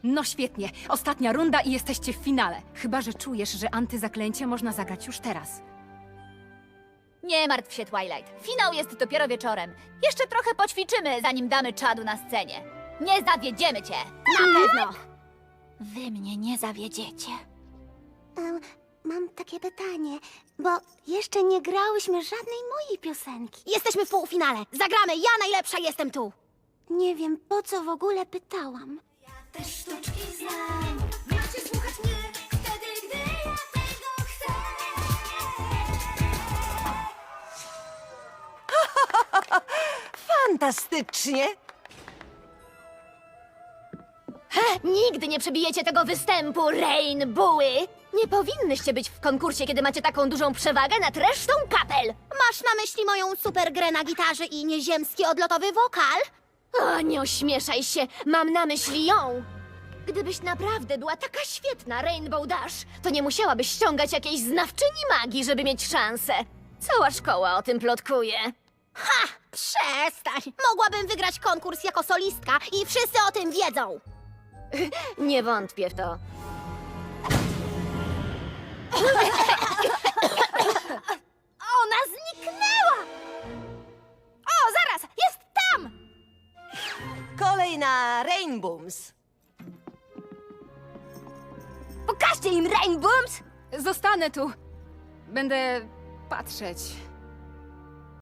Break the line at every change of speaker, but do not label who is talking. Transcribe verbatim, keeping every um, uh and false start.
No świetnie. Ostatnia runda i jesteście w finale. Chyba że czujesz, że antyzaklęcie można zagrać już teraz.
Nie martw się, Twilight. Finał jest dopiero wieczorem. Jeszcze trochę poćwiczymy, zanim damy czadu na scenie. Nie zawiedziemy cię! Na pewno! Wy mnie nie zawiedziecie.
Em, Mam takie pytanie, bo jeszcze nie grałyśmy żadnej mojej piosenki.
Jesteśmy w półfinale. Zagramy. Ja najlepsza jestem tu.
Nie wiem, po co w ogóle pytałam.
Te sztuczki znam. Macie słuchać mnie wtedy, gdy ja tego chcę.
Fantastycznie!
Nigdy nie przebijecie tego występu, Rainbowy! Nie powinnyście być w konkursie, kiedy macie taką dużą przewagę nad resztą kapel!
Masz na myśli moją super grę na gitarze i nieziemski odlotowy wokal?
O, nie ośmieszaj się, mam na myśli ją! Gdybyś naprawdę była taka świetna, Rainbow Dash, to nie musiałabyś ściągać jakiejś znawczyni magii, żeby mieć szansę. Cała szkoła o tym plotkuje.
Ha! Przestań! Mogłabym wygrać konkurs jako solistka i wszyscy o tym wiedzą.
Nie wątpię w to.
Ona zniknęła! O, zaraz! Jest tam!
Kolej na Rainbooms.
Pokażcie im Rainbooms!
Zostanę tu. Będę patrzeć.